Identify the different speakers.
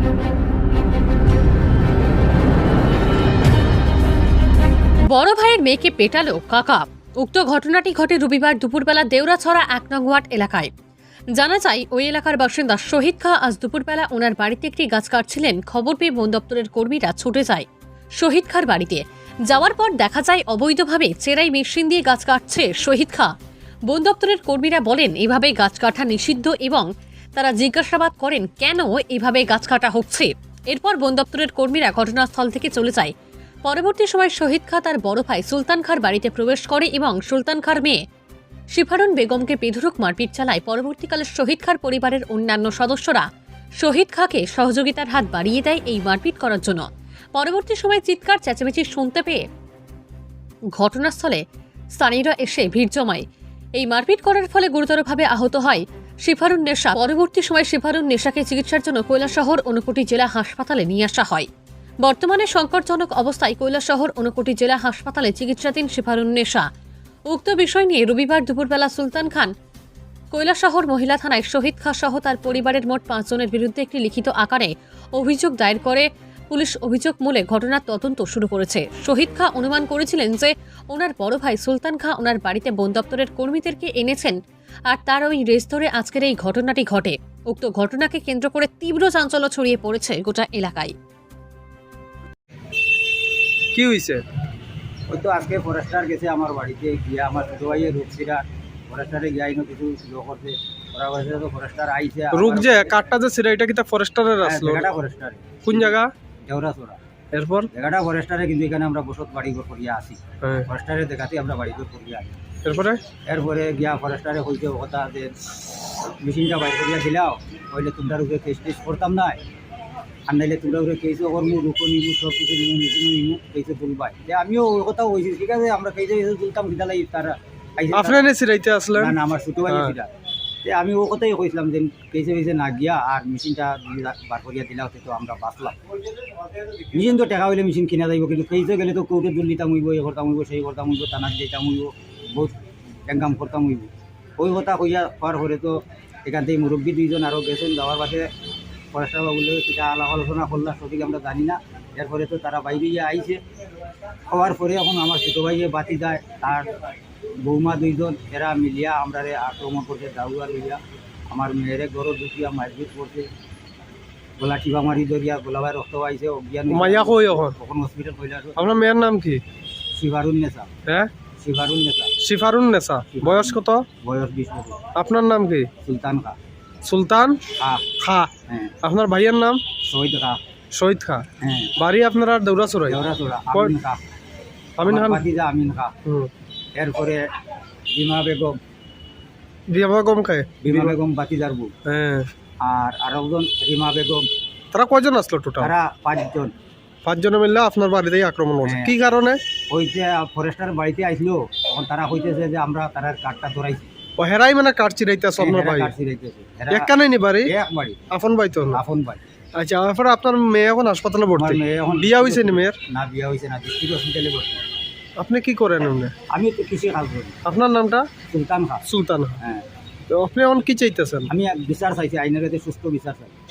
Speaker 1: বড় ভাইয়ের মেয়েকে পেটালো কাকা। উক্ত ঘটনাটি ঘটে রবিবার দুপুরবেলা দেউরাছড়া ১ নং ওয়ার্ড এলাকায়। জানা যায়, ওই এলাকার বাসিন্দা শহীদ খা আজ দুপুরবেলা ওনার বাড়িতে একটি গাছ কাটছিলেন। খবর পেয়ে বন দপ্তরের কর্মীরা ছুটে যায় শহীদ খার বাড়িতে। যাওয়ার পর দেখা যায় অবৈধভাবে চেরাই মেশিন দিয়ে গাছ কাটছে শহীদ খা। বন দপ্তরের কর্মীরা বলেন এভাবে গাছ কাটা নিষিদ্ধ এবং তারা জিজ্ঞাসাবাদ করেন কেন এভাবে গাছ কাটা হচ্ছে। এরপর বন দপ্তরের কর্মীরা ঘটনাস্থল থেকে চলে যায়। পরবর্তী সময় শহীদ খা তার বড় ভাই সুলতান খার বাড়িতে প্রবেশ করে এবং সুলতান খার মেয়ে শিফারুন বেগমকে বেধড়ক মারপিট চালায়। পরবর্তীকালে শহীদ খার পরিবারের অন্যান্য সদস্যরা শহীদ খাকে সহযোগিতার হাত বাড়িয়ে দেয় এই মারপিট করার জন্য। পরবর্তী সময় চিৎকার চেঁচামেচি শুনতে পেয়ে ঘটনাস্থলে স্থানীয়রা এসে ভিড় জমায়। এই মারপিট করার ফলে গুরুতরভাবে আহত হয় শিফারুন নেশা। পরবর্তী সময় শিফারুন নেশাকে চিকিৎসার জন্য কৈলাসহর ঊনকোটি জেলা হাসপাতালে নিয়ে আসা হয়। বর্তমানে সংকটজনক অবস্থায় কৈলাসহর ঊনকোটি জেলা হাসপাতালে চিকিৎসাধীন শিফারুন নেশা। উক্ত বিষয় নিয়ে রবিবার দুপুরবেলা সুলতান খান কৈলাসহর মহিলা থানায় শহীদ খা সহ তার পরিবারের মোট ৫ জনের বিরুদ্ধে একটি লিখিত আকারে অভিযোগ দায়ের করে। পুলিশ অভিযোগ মূলে ঘটনার তদন্ত শুরু করেছে। শহীদ খা অনুমান করেছিলেন যে ওনার বড় ভাই সুলতান খা ওনার বাড়িতে বন দপ্তরের কর্মীদেরকে এনেছেন, আর তার ওই রেস ধরে আজকের এই ঘটনাটি ঘটে। উক্ত ঘটনাকে কেন্দ্র করে তীব্র চাঞ্চল্য ছড়িয়ে পড়েছে গোটা এলাকায়।
Speaker 2: কি হয়েছে?
Speaker 3: ওই তো আজকে ফরেস্টার গেছে আমার বাড়িতে গিয়ে, আমার ছোট ভাইয়ের রূপসিরা ফরেস্টারে গিয়ে আইনো কিছু লো করছে। ওরা বলছে তো ফরেস্টার আইছে।
Speaker 2: রুক যে কাঠটা যে ছিল এটা কি তা ফরেস্টারের আসলো?
Speaker 3: জায়গাটা ফরেস্টারে।
Speaker 2: কোন জায়গা?
Speaker 3: দেউরাছড়া।
Speaker 2: এরপর
Speaker 3: জায়গাটা ফরেস্টারে, কিন্তু এখানে আমরা বসত বাড়িঘর করিয়া আসি।
Speaker 2: হ্যাঁ।
Speaker 3: ফরেস্টারে দেখাতে আমরা বাড়িঘর করিয়া আসি।
Speaker 2: এরপরে
Speaker 3: গিয়া ফরেস্টারে কইছে কথা যে মেশিনটা বাইর করিয়া দিলাও, হইলে তোমরা রূপে কেস টেস করতাম না, আর নাইলে তোমরা রূপে কেসও করবো, রূপো নিবু, সব কিছু নিবু, মেশিনও নিবু, কেসে তুলবাই। আমিও ওই কথা কইছি, ঠিক আছে আমরা কেসে তুলতাম, কিতা লাগি তারা
Speaker 2: আপনারা সিরাইতে আসলেন?
Speaker 3: না, আমার ছোট ভাই ছিল। আমি ও কথাই কইছিলাম যে কেসে কেসে না গিয়া আর মেশিনটা বার করিয়া দিলাও, তো আমরা বাঁচলাম। মেশিন তো টাকা হইলে মেশিন কিনা যাইব, কিন্তু কেসে গেলে তো কোর্টে দুল দিতাম হইব, এ করতাম হইব, সেই করতাম হইব, থানার দিতাম হইব, বহুত এনকাম করতাম হইব। ওই কথা কইয়া হওয়ার পরে তো এখান থেকে মুরব্বী দুইজন আরও গেছেন। যাওয়ার পাশে ফরেস্টার বাবুলে সেটা আলাপ আলোচনা করলাম, সঠিক আমরা জানি না। এরপরে তো তারা বাইরে গিয়ে আইছে। হওয়ার পরে এখন আমার ছোটো ভাইয়ে বাতি যায়, তার বৌমা দুইজন, এরা মিলিয়া আমরা আক্রমণ করছে, দাউয়া লইয়া আমার মেয়েরে গরো দুটিয়া মারপিট করছে, গলা টিপা মারি ধরিয়া গোলাবাই রক্ত পাইছে, অজ্ঞান
Speaker 2: মাইয়া কই
Speaker 3: তখন হসপিটাল কইলা।
Speaker 2: আপনার মেয়ের নাম কি?
Speaker 3: শিফারুন নেশা।
Speaker 2: হ্যাঁ,
Speaker 3: শিফারুন নেশা।
Speaker 2: শিফারুন নেশা। বয়স কত?
Speaker 3: বয়স 20 বছর।
Speaker 2: আপনার নাম কি?
Speaker 3: সুলতান খা।
Speaker 2: সুলতান
Speaker 3: খা।
Speaker 2: খা।
Speaker 3: হ্যাঁ।
Speaker 2: আপনার ভাইয়ের নাম?
Speaker 3: শহীদ খা।
Speaker 2: শহীদ খা।
Speaker 3: হ্যাঁ।
Speaker 2: বাড়ি আপনার আর দেউরাছড়ায়?
Speaker 3: দেউরাছড়া। আমিন খা।
Speaker 2: আমিন খান।
Speaker 3: ভাতিজা আমিন খা। এরপরে বিমা বেগম।
Speaker 2: বিমা বেগম খায়?
Speaker 3: বিমা বেগম বাতিজার বউ।
Speaker 2: হ্যাঁ।
Speaker 3: আর আরেকজন রিমা বেগম।
Speaker 2: তারা কয়জন আসলো টোটাল?
Speaker 3: তারা 5 জন।
Speaker 2: 5 জনে মিললে আপনার বাড়িতেই আক্রমণ করছে।
Speaker 3: হ্যাঁ।
Speaker 2: কি কারণে?
Speaker 3: ওই যে ফরেস্টার বাড়িতে আইসলো, তখন তারা কইতেছে যে আমরা তারার কার্ডটা ধরাইছি।
Speaker 2: ও হেরাই মানে কাঠ চিরাইতে আসল না ভাই? একখানে নি বাড়ি?
Speaker 3: এক বাড়ি।
Speaker 2: আপন ভাই তো না?
Speaker 3: আপন ভাই।
Speaker 2: আচ্ছা, এরপরে আপনার মেয়ে এখন হাসপাতালে ভর্তি?
Speaker 3: আমার মেয়ে এখন
Speaker 2: বিয়া হয়েছে নি মেয়ের?
Speaker 3: না, বিয়া হয়েছে না, ডিস্ট্রিক্ট হসপিটালে ভর্তি।
Speaker 2: আপনি কি করেন এমনি?
Speaker 3: আমি তো কৃষি কাজ করি।
Speaker 2: আপনার নামটা?
Speaker 3: সুলতান খা।
Speaker 2: সুলতান।
Speaker 3: হ্যাঁ।
Speaker 2: তো আপনি এখন কি চাইতেছেন?
Speaker 3: আমি বিচার চাইছি, আইনের কাছে সুস্থ বিচার চাই।